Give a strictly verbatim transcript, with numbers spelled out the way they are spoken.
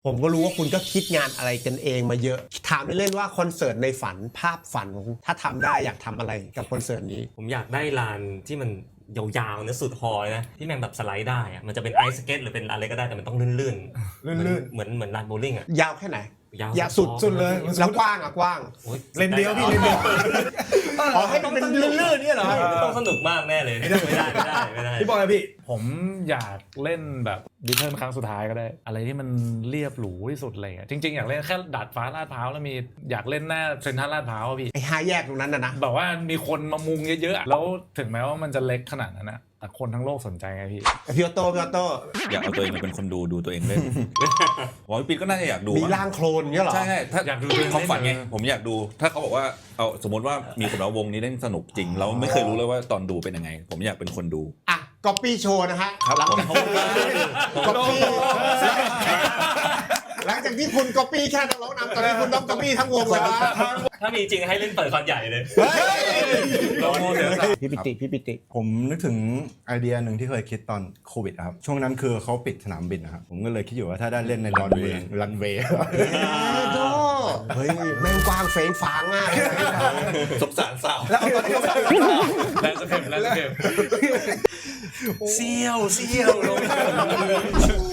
ผมก็รู้ว่าคุณก็คิดงานอะไรกันเองมาเยอะถามเล่นๆว่าคอนเสิร์ตในฝันภาพฝันของถ้าทำได้อยากทำอะไรกับคอนเสิร์ตนี้ผมอยากได้ลานที่มันยาวๆนะสุดฮอลนะที่แม่งแบบสไลด์ได้อะมันจะเป็นไอซ์สเก็ตหรือเป็นอะไรก็ได้แต่มันต้องลื่นๆลื่นเหมือนเหมือนลานโบว์ลิ่งอ่ะยาวแค่ไหนยาวยาวสุดสุดเลยแล้วกว้างอ่ะกว้างเลนเดียวพี่เลนเดียวอ๋อให้มันเป็นลื่นๆเนี่ยเหรอต้องสนุกมากแน่เลยไม่ได้ไม่ได้ไม่ได้ไม่ได้พี่บอยพี่ผมอยากเล่นแบบดิเทิร์นครั้งสุดท้ายก็ได้อะไรที่มันเรียบหรูที่สุดอะไรเงี้ยจริงๆอยากเล่นแค่ดาดฟ้าลาดพร้าวแล้วมีอยากเล่นหน้าเซ็นทรัลลาดพร้าวพี่ไอ้ห้าแยกตรงนั้นนะนะแบบว่ามีคนมามุงเยอะๆแล้วถึงแม้ว่ามันจะเล็กขนาดนั้นนะแต่คนทั้งโลกสนใจไงพี่พี่ออโต้พี่ออโต้อยากเอาตัวเองมาเป็นคนดูดูตัวเองเล่นผมว่าพี่ก็น่าจะอยากดูมีร่างโคลนเงี้ยหรอใช่ใช่ถ้าอยากดูความฝันไงผมอยากดูถ้าเขาบอกว่าเอาสมมติว่ามีคนเอาวงนี้เล่นสนุกจริงเราไม่เคยรู้เลยว่าตอนดูเป็นยังไงผมอยากเป็นคนดูอ่ะก๊อปปี้โชว์นะฮะครับหลังผมจากก๊อปปี้หลังจากที่คุณก๊อปปี้แค่นักร้องนำตอนนี้คุณต้องก๊อปปี้ทั้งวงเลยนะถ้ามีจริงให้เล่นเปิดคอนใหญ่เลยพี่ปิติพี่ปิติผมนึกถึงไอเดียหนึ่งที่เคยคิดตอนโควิดครับช่วงนั้นคือเขาปิดสนามบินนะครับผมก็เลยคิดอยู่ว่าถ้าได้เล่นในดอนเวย์รันเวย์โธ่เฮ้ยแม่งกว้างเฟ้งฟ้างมากสงสารสาวแล้วจะเข็มแล้วจะเข็มเซี่ยวเซี่ยวลง